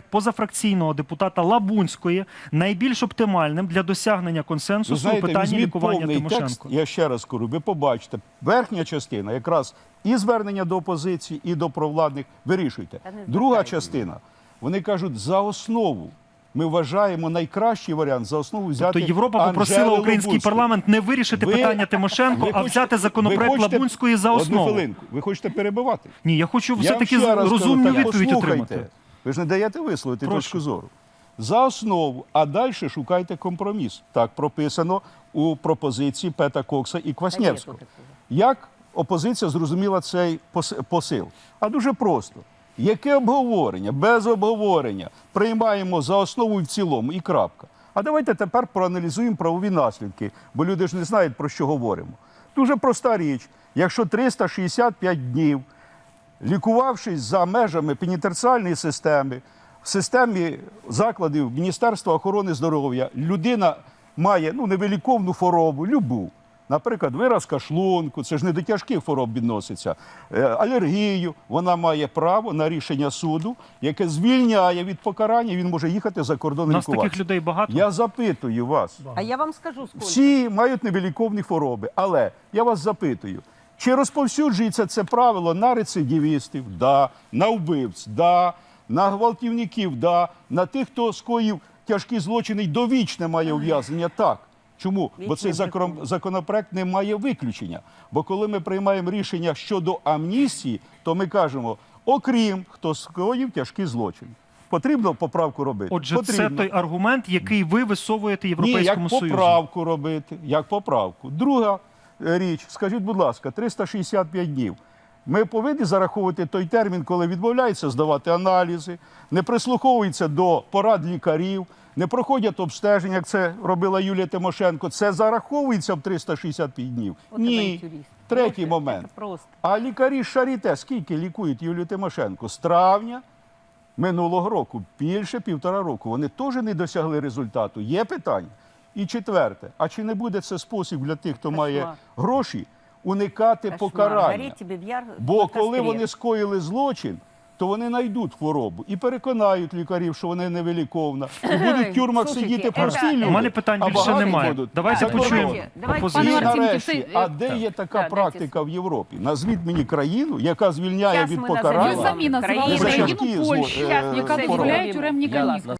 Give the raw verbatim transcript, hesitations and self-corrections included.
позафракційного депутата Лабунської найбільш оптимальним для досягнення консенсусу знаєте, у питанні лікування повний Тимошенко? текст, я ще раз кажу, ви побачите, верхня частина якраз і звернення до опозиції, і до провладних вирішуйте. Друга частина, вони кажуть, за основу. Ми вважаємо найкращий варіант за основу взяти Тобто Європа попросила Анжели український Лабунську. парламент не вирішити Ви- питання Тимошенко, ви а хочете- взяти законопроект ви хочете- Лабунської за основу. Одну хвилинку. Ви хочете перебивати? Ні, я хочу Я вам все-таки ще раз розумну кажу, так, відповідь послухайте. отримати. Ви ж не даєте висловити Прошу. точку зору. За основу, а далі шукайте компроміс. Так прописано у пропозиції Пета Кокса і Квасневського. Як опозиція зрозуміла цей пос- посил? А дуже просто. Яке обговорення? Без обговорення. Приймаємо за основу і в цілому, і крапка. А давайте тепер проаналізуємо правові наслідки, бо люди ж не знають, про що говоримо. Дуже проста річ. Якщо триста шістдесят п'ять днів, лікувавшись за межами пенітенціарної системи, в системі закладів Міністерства охорони здоров'я, людина має ну, невиліковну хворобу, любу. Наприклад, виразка шлунку, це ж не до тяжких хвороб відноситься, е, алергію, вона має право на рішення суду, яке звільняє від покарання, він може їхати за У кордон нас лікуватися. таких людей багато. Я запитую вас, А я вам скажу, сколько. всі мають невиліковні хвороби, але я вас запитую, чи розповсюджується це правило на рецидивістів, да, на вбивць, да, на гвалтівників, да, на тих, хто скоїв тяжкі злочини й довічне має ув'язнення, так. Чому? Бо цей закон, законопроект не має виключення. Бо коли ми приймаємо рішення щодо амністії, то ми кажемо, окрім хто скоїв тяжкі злочини. Потрібно поправку робити? Отже, Потрібно. це той аргумент, який ви висовуєте Ні, Європейському як Союзу. поправку робити, як поправку. Друга е, річ, скажіть, будь ласка, триста шістдесят п'ять днів. Ми повинні зараховувати той термін, коли відмовляються здавати аналізи, не прислуховуються до порад лікарів, не проходять обстеження, як це робила Юлія Тимошенко. Це зараховується в триста шістдесят п'ять днів? От Ні. тебе юрист. Третій Просто, момент. це просто. А лікарі з Шаріте скільки лікують Юлію Тимошенко? З травня минулого року, більше півтора року. Вони теж не досягли результату. Є питання? І четверте. А чи не буде це спосіб для тих, хто має гроші, уникати Кошмар. покарання? Гореть тебе в яр- Бо на коли кострі. вони скоїли злочин, то вони знайдуть хворобу і переконають лікарів, що вони невиліковна. І будуть в тюрмах Слушайте, сидіти это- прості У люди. У мене питань а більше багаті немає. будуть Давайте за почуємо кордоном. Давайте, І опозицію. пане Марцинків, нарешті, це, а е, де є така да, практика в Європі? Назвіть мені країну, яка звільняє Щас від ми покарання. назовемо Ви самі назвали країни. за країну тяжкі Польщу, зло- е, яка хвороби. дозволяє тюремні канікули.